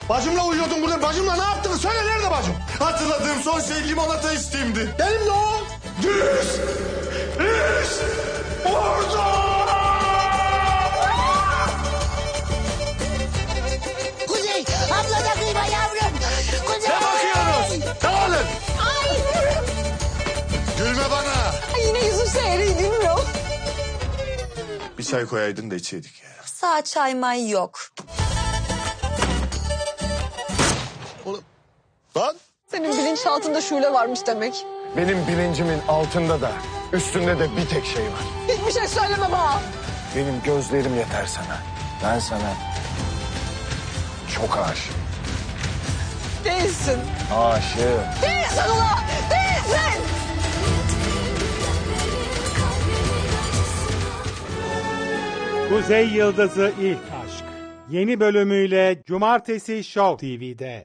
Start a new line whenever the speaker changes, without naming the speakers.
Bacımla uyuyordun burada. Bacımla ne yaptın? Söyle nerede bacım? Hatırladığım son şey limonata içtiğimdi. Benim de o. Düz. Orada.
Kuzey, abla da kıyma yavrum. Kuzey.
Ne bakıyorsunuz? Dağılın.
Ay.
Gülme bana.
Ay, yine yüzüm seyri gülmüyor.
Bir çay koyaydın da içeydik ya.
Sağ çay may yok.
Oğlum. Lan.
Senin bilinçaltında şule varmış demek.
Benim bilincimin altında da üstünde de bir tek şey var.
Hiçbir şey söyleme bana.
Benim gözlerim yeter sana. Ben sana çok aşığım.
Değilsin.
Aşığım.
Değilsin ulan. Değilsin.
Kuzey Yıldızı İlk Aşk. Yeni bölümüyle Cumartesi Show TV'de.